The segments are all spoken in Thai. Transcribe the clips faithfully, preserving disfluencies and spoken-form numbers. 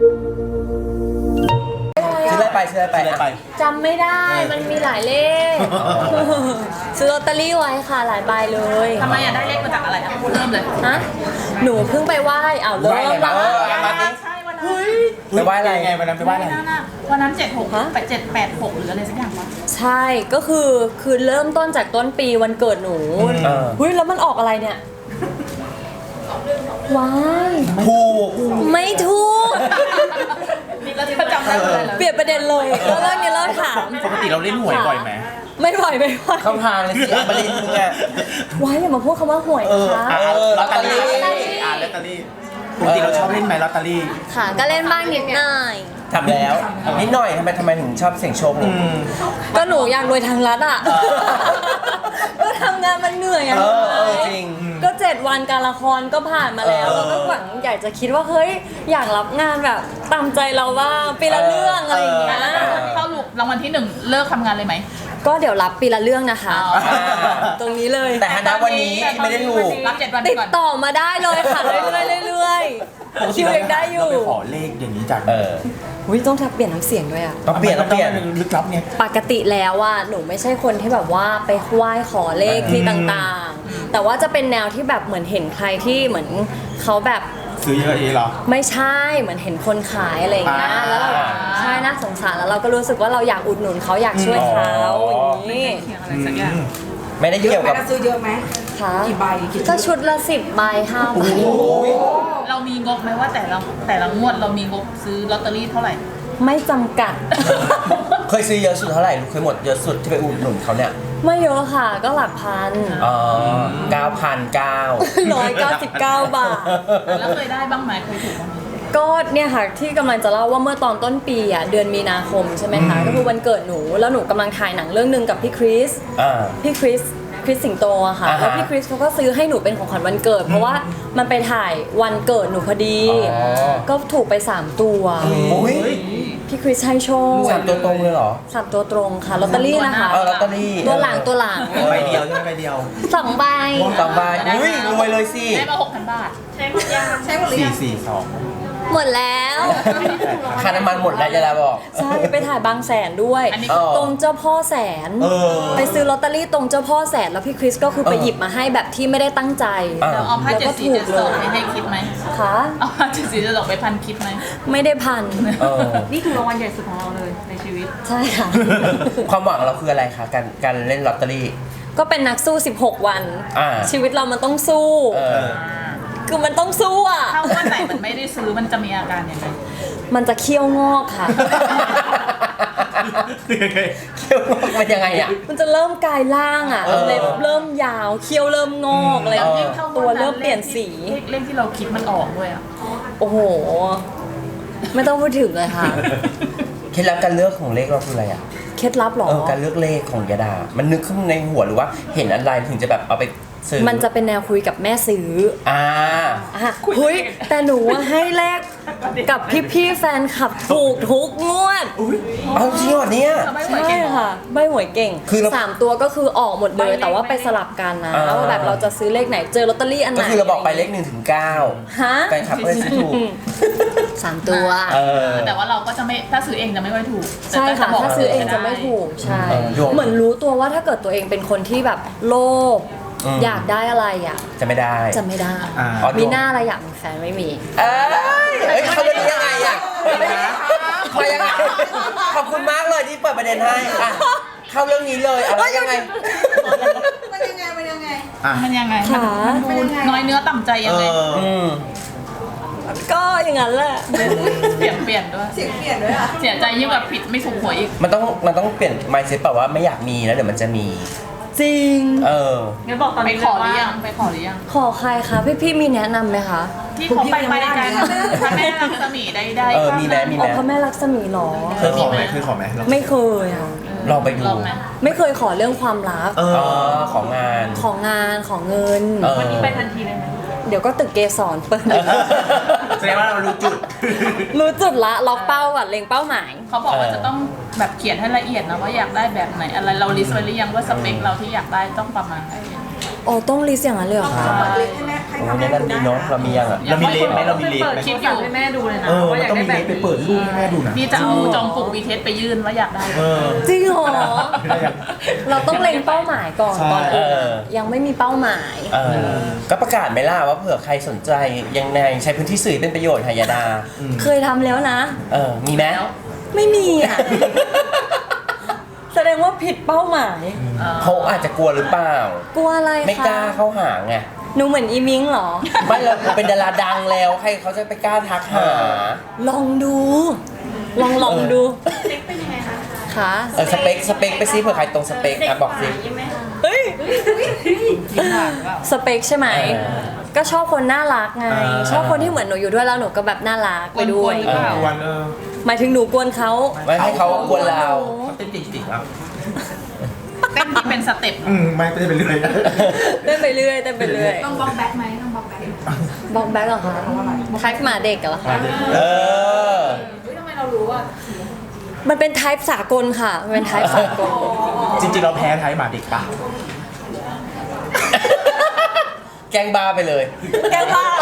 ซื้ออะไรไปซื้ออะไรไปซื้ออะไรไปจำไม่ได้มันมีหลายเลขซื้อลอตเตอรี่ไว้ค่ะหลายใบเลยทำไมอยากได้เลขมาจากอะไรอ่ะเริ่มเลยฮะหนูเพิ่งไปไหว้อ้าวเริ่มละใช่วันนั้นไปไหว้อะไรไงวันนั้นไปไหว้อะไรวันนั้นเจ็ดหกแปดเจ็ดแปดหกหรืออะไรสักอย่างวะใช่ก็คือคือเริ่มต้นจากต้นปีวันเกิดหนูเฮ้ยแล้วมันออกอะไรเนี่ยว้ายถูกไม่ถูกเราจะจำได้เลยเปลี่ยนประเด็นเลยแล้วเรื่องนี้เริ่มถามปกติเราเล่นหวยบ่อยไหมไม่บ่อยไม่บ่อยเข้าทางเลยสิอัปรินมึงอะว้ายอย่ามาพูดคำว่าหวยนะคะลอตเตอรี่อ่านลอตเตอรี่ปกติเราชอบเล่นไหมลอตเตอรี่ค่ะก็เล่นบ้างนิดหน่อยทำแล้วนิดหน่อยทำไมทำไมถึงชอบเสี่ยงโชคก็หนูอยากรวยทางรัฐอ่ะก็ทำงานมันเหนื่อยอ่ะจริงก็เจ็ดวันการละครก็ผ่านมาแล้วแล้วก็หวังอยากจะคิดว่าเฮ้ยอยากรับงานแบบตามใจเราบ้างปีละเรื่องอะไรอย่างเงี้ยเข้าลูกรางวัลที่หนึ่งเลิกทำงานเลยไหมก็เดี๋ยวรับปีละเรื่องนะคะตรงนี้เลยแต่ณวันนี้ไม่ได้ถูกรับเจ็ดวันติดต่อมาได้เลยค่ะเรื่อยๆเรื่อยๆคิวยังได้อยู่ขอเลขอย่างนี้จากเอออุ้ยต้องทับเปลี่ยนน้ำเสียงด้วยอ่ะต้องเปลี่ยนต้องเปลี่ยนลึกลับเนี่ยปกติแล้วว่าหนูไม่ใช่คนที่แบบว่าไปไหว้ขอเลขที่ต่างๆแต่ว่าจะเป็นแนวที่แบบเหมือนเห็นใครที่เหมือนเขาแบบซื้อเยอะเองเหรอไม่ใช่เหมือนเห็นคนขายอะไรอย่างเงี้ยแล้วเราใช่น่าสงสารแล้วเราก็รู้สึกว่าเราอยากอุดหนุนเขาอยากช่วยเขาอย่างนี้ไม่ได้เกี่ยวกับซื้อเยอะไหมคะกี่ใบก็ชุดละสิบใบห้าใบเรามีงบไหมว่าแต่ละแต่ละงวดเรามีงบซื้อลอตเตอรี่เท่าไหร่ไม่จำกัดเคยซื้อเยอะสุดเท่าไหร่เคยหมดเยอะสุดที่ไปอุดหนุนเขาเนี่ยไม่เยอะค่ะก็หลักพันอ๋อเก้าพันเก้าร้อยเก้าสิบเก้าบาทแล้วเคยได้บ้างไหมเคยถูกบ้างไหมก็เนี่ยค่ะที่กำลังจะเล่าว่าเมื่อตอนต้นปีอ่ะเดือนมีนาคมใช่ไหมคะก็คือวันเกิดหนูแล้วหนูกำลังถ่ายหนังเรื่องนึงกับพี่คริสพี่คริสคริสสิงโตอะค่ะแล้วพี่คริสเขาก็ซื้อให้หนูเป็นของขวัญวันเกิดเพราะว่ามันไปถ่ายวันเกิดหนูพอดีก็ถูกไปสามตัวพี่คริสให้โชคสามตัวตรงเลยเหรอสามตัวตรงค่ะลอตเตอรี่นะคะลอตเตอรี่ตัวหลังตัวหลังใบเดียวใช่ไหมใบเดียวสองใบสองใบอุ้ยรวยเลยสิได้มาหกพันบาทใช้หมดยังใช้หมดหรือยังสี่สี่สองหมดแล้วค่าน้ำมันหมดแล้วจะแล้วบอกใช่ไปถ่ายบางแสนด้วยตรงเจ้าพ่อแสนไปซื้อลอตเตอรี่ตรงเจ้าพ่อแสนแล้วพี่คริสก็คือไปหยิบมาให้แบบที่ไม่ได้ตั้งใจแล้วเอาผ้าเจ็ดสีเจ็ดสองไปให้คิดไหมคะเอาผ้าเจ็ดสีเจ็ดสองไปพันคิดไหมไม่ได้พันนี่คือรางวัลใหญ่สุดของเราเลยในชีวิตใช่ค่ะความหวังเราคืออะไรคะการการเล่นลอตเตอรี่ก็เป็นนักสู้สิบหกวันชีวิตเรามันต้องสู้คือมันต้องสู้อ่ะถ้าวันไหนมันไม่ได้ซื้อมันจะมีอาการยังไงมันจะเคี้ยวงอกค่ะเคี้ยวงอกมันยังไงอ่ะมันจะเริ่มกลายร่างอ่ะเล็บเริ่มยาวเคี้ยวเริ่มงอกอะไรตัวเริ่มเปลี่ยนสีเลขที่เราคิดมันออกด้วยอ่ะโอ้โหไม่ต้องพูดถึงเลยค่ะเคล็ดลับการเลือกของเลขเราคืออะไรอ่ะเคล็ดลับหรอการเลือกเลขของยาดามันนึกขึ้นในหัวหรือว่าเห็นอะไรถึงจะแบบเอาไปมันจะเป็นแนวคุยกับแม่ซื้ออ่าอ่ะคุยแต่หนูให้แลกกับพี่ๆแฟนคลับถูกทุกงวดเอาจริงเหรอเนี่ยใช่ค่ะใบหวยเก่งคือสามตัวก็คือออกหมดเลยแต่ว่าไปสลับกันนะว่าแบบเราจะซื้อเลขไหนเจอลอตเตอรี่อันไหนก็คือเราบอกไปเลขหนึ่งถึงเก้าฮะแฟนคลับก็จะซื้อถูกสามตัวแต่ว่าเราก็จะไม่ถ้าซื้อเองจะไม่ค่อยถูกใช่ค่ะถ้าซื้อเองจะไม่ถูกใช่เหมือนรู้ตัวว่าถ้าเกิดตัวเองเป็นคนที่แบบโลภอยากได้อะไรอ่ะจะไม่ได้จะไม่ได้มีหน้าอะไรอยากมีแฟนไม่มีเอ้ยเขาเป็นยังไงอ่ะมายังไงขอบคุณมากเลยที่เปิดประเด็นให้เข้าเรื่องนี้เลยอะไรยังไงมันยังไงมันยังไงมันยังไงมันดูน้อยเนื้อต่ำใจยังไงก็อย่างนั้นแหละเปลี่ยนเปลี่ยนด้วยเสียงเปลี่ยนด้วยอ่ะเสียใจยิ่งแบบผิดไม่ถูกหวยอีกมันต้องมันต้องเปลี่ยน mindset แบบว่าไม่อยากมีแล้วเดี๋ยวมันจะมีจริงเอองั้นบอกตอนนี้ขอหรือยังไปขอหรือยังขอใครคะพี่พี่มีแนะนำไหมคะที่เขาไปไปกันพระแม่ลักษมีได้ได้เออมีแม่มีแม่พระแม่ลักษมีหรอเคยขอไหมเคยขอไหมไม่เคยค่ะลองไปดูไม่เคยขอเรื่องความรักเออของงานของงานของเงินวันนี้ไปทันทีเลยไหมเดี๋ยวก็ตึกเกสรเปิดแสดงว่าเรารู้จุดรู้จุดละล็อกเป้าก่อนเล็งเป้าหมายเขาบอกว่าจะต้องแบบเขียนให้ละเอียดนะว่าอยากได้แบบไหนอะไรเราลิสต์ไว้หรือยังว่าสเปคเราที่อยากได้ต้องประมาณไหนอ๋อต้องลิสต์อย่างนั้นเลยเหรอคะเปิดลิสต์ให้แม่ให้โอ้ทำยให้นั่นดูดีได้เนาะนะเรามียังอ่ะเรามีเลสไหมเรามีเลสเปิดไหมคลิปอยู่ให้แม่ดูเลยนะเออว่ามันอยากต้องได้มีแบเลบสไปเปิดรูปให้แม่ดูนะนี่จะเอาจองปลุกวีเทสไปยื่นว่าอยากได้เออจริงเหรอ เราต้องเล็งเป้าหมายก่อนใช่ตอนอื่นอะยังไม่มีเป้าหมายเออก็ประกาศไหมล่ะว่าเผื่อใครสนใจยังไงใช้พื้นที่สื่อเป็นประโยชน์ค่ะยาดาเคยทำแล้วนะเออมีไหมไม่มีอ่ะ แสดงว่าผิดเป้าหมายเขาอาจจะกลัวหรือเปล่ากลัวอะไรคะไม่กล้าเข้าหาไงหนูเหมือนอีมิงเหรอไม่เราเป็นดาราดังแล้วใครเขาจะไปกล้าทักหาลองดู ลองลองดูค่ะเออสเปคสเปคไปซิเผื่อใครตรงสเปคอ่ะบอกสิเฮ้ย สเปคใช่ไหมเออก็ชอบคนน่ารักไงอ่าชอบคนที่เหมือนหนูอยู่ด้วยแล้วหนูก็แบบน่ารักไปด้วยกวนๆหรือเปล่าวันเออหมายถึงหนูกวนเขาไม่ให้เขากวนเราเขาเต้นจริงๆครับเต้นที่เป็นสเต็ปอืมไม่ได้ไปเรื่อยเต้นไปเรื่อยเต้นไปเรื่อยต้องบล็อกแบ็คไหมต้องบล็อกแบ็คบอกแบ็คเหรอคะทักหมาเด็กเหรอคะเออมันเป็นไทป์สากลค่ะ มันเป็นไทป์สากลจริงๆเราแพ้ไทยหมาเด็กปะแกล้งบ้าไปเลยแกล้งบ้า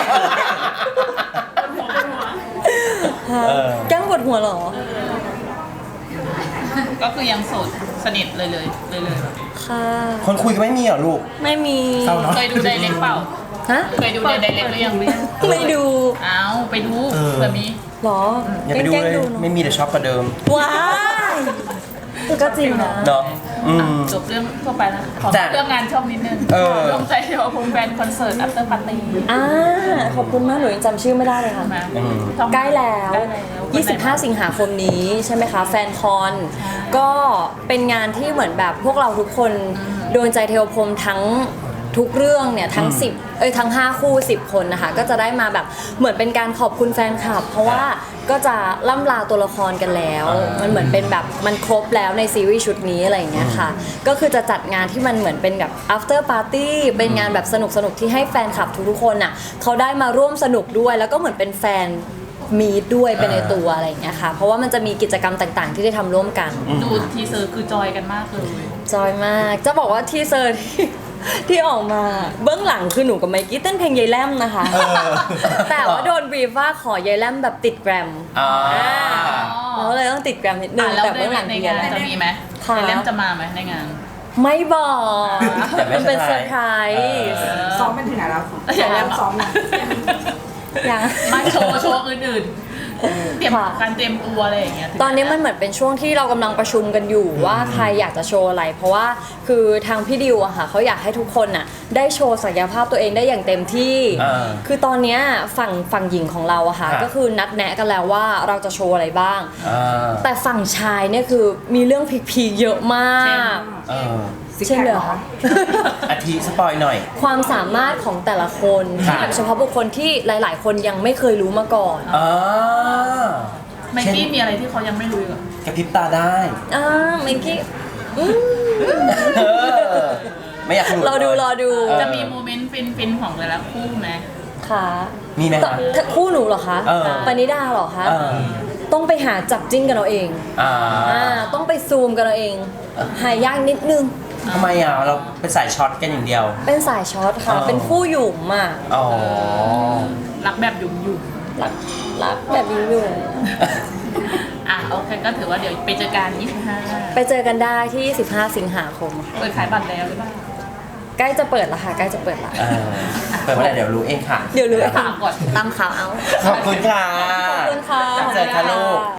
เออแกล้งปวดหัวเหรอก็คือยังโสดสนิทเลยเลยเลยเลยค่ะคนคุยกันไม่มีเหรอลูกไม่มีเศร้าเนาะเคยดูไดเรกเปล่าฮะเคยดูในไดเรกหรือยังไม่ดูอ้าวไปดูเออเผื่อมีเหรออย่าไปดูแกล้งเลยๆดูเนอะไม่มีแต่ช็อกกว่าเดิมว้ายก็จริงนะเนาะอืมจบเรื่องทั่วไปแล้วขอจ้ะเรื่องงานช่องนิดนึงเออรวมใจเดียวกับแฟนคอนเสิร์ต after party อ่าขอบคุณมากหนูยังจำชื่อไม่ได้เลยค่ะมาอืมช่องใกล้แล้วใกล้แล้วยี่สิบห้า สิงหาคมนี้ใช่ไหมคะ แฟนคอน ก็เป็นงานที่เหมือนแบบพวกเราทุกคนโดนใจเทวพรหมทั้งทุกเรื่องเนี่ยทั้งสิบเอ้ยทั้งห้าคู่สิบคนนะคะก็จะได้มาแบบเหมือนเป็นการขอบคุณแฟนคลับ เพราะว่าก็จะล่ำลาตัวละครกันแล้วอ่ามัมันเหมือนเป็นแบบมันครบแล้วในซีรีส์ชุดนี้อะไรอย่างเงี้ยค่ะ ก็คือจะจัดงานที่มันเหมือนเป็นแบบ after party เป็นงานแบบสนุกสนุกๆที่ให้แฟนคลับทุกๆคนอ่ะเขาได้มาร่วมสนุกด้วย แล้วก็เหมือนเป็นแฟนมีดด้วยเป็นในตัวอะไรอย่างเงี้ยค่ะ เพราะว่ามันจะมีกิจกรรมต่างๆ ที่ได้ทำร่วมกันดูทีเซอร์คือจอยกันมากเลยจอยมาก จะบอกว่าทีเซอร์ที่ ที่ออกมาเบื้องหลังคือหนูกับไมกี้เต้นเพลงยายแลมนะคะเออแต่ว่าโดนบรีฟว่าขอยายแลมแบบติดแกรมอ่าเราก็เลยต้องติดแกรมนิดนึอ่ะงแล้วแต่เบื้องหลังในคือยงายาน ยแลจะมมีไหมค่ะในเล่มจะมาไหมในงานไม่บอกแต่ไม่มันเป็นเซเซออร์ร์ไพไพรรส์ส์ซ้อมเป็นถึงไหนแล้วอย่าเล่นซ้อมนะยังมาโชว์โชว์อื่นๆ เตรียมค่ะการเตรียมตัวอะไรอย่างเงี้ยถึงตอนนี้มันเหมือนเป็นช่วงที่เรากำลังประชุมกันอยู่ว่าใครอยากจะโชว์อะไร เพราะว่าคือทางพี่ดิวอะค่ะเขาอยากให้ทุกคนน่ะได้โชว์ศักยภาพตัวเองได้อย่างเต็มที่อ่าคือตอนเนี้ยฝั่งฝั่งหญิงของเราอะค่ะครับก็คือนัดแนะกันแล้วว่าเราจะโชว์อะไรบ้างอ่าแต่ฝั่งชายเนี่ยคือมีเรื่องพีคๆเยอะมากเออเช่นเลยเหรอคะอาทิสปอยหน่อยความสามารถของแต่ละคนครัที่บแบบเฉพาะบุคคลที่หลาย ๆ คนยังไม่เคยรู้มาก่อนอ่าไมกี้มีอะไรที่เขายังไม่รู้อีกเหรอกระพริบตาได้อ่าเมื่อกี้อืมเออไม่อยากหลุดรอดูรอดูเออจะมีโมเมนต์ฟินๆของแต่ละคู่ไหมค่ะมีไหมแต่คะถ้าคู่หนูเหรอคะเออปณิดาเหรอคะเออต้องไปหาจับจิ้นกันเอาเองอ่าอ่าต้องไปซูมกันเอาเอง หายากนิดนึงทำไมอ่ะเราเป็นสายช็อตกันอย่างเดียวเป็นสายช็อตค่ะอ๋อเป็นคู่หยุ่มอ่ะอ๋อรักแบบหยุ่มรักรักแบบยุ่หยุ่มๆอ่ะโอเคก็ถือว่าเดี๋ยวไปเจอกันยี่สิบห้าไปเจอกันได้ที่สิบห้าสิงหาคมค่ะเปิดขายบัตรแล้วหรือเปล่าใกล้จะเปิดแล้วค่ะ ใกล้จะเปิดแล้วเออเปิดเมื่อไหร่เดี๋ยวรู้เองค่ะเดี๋ยวรู้ถามก่อนตามข่าวเอาขอบคุณค่ะขอบคุณค่ะเจอกันลูก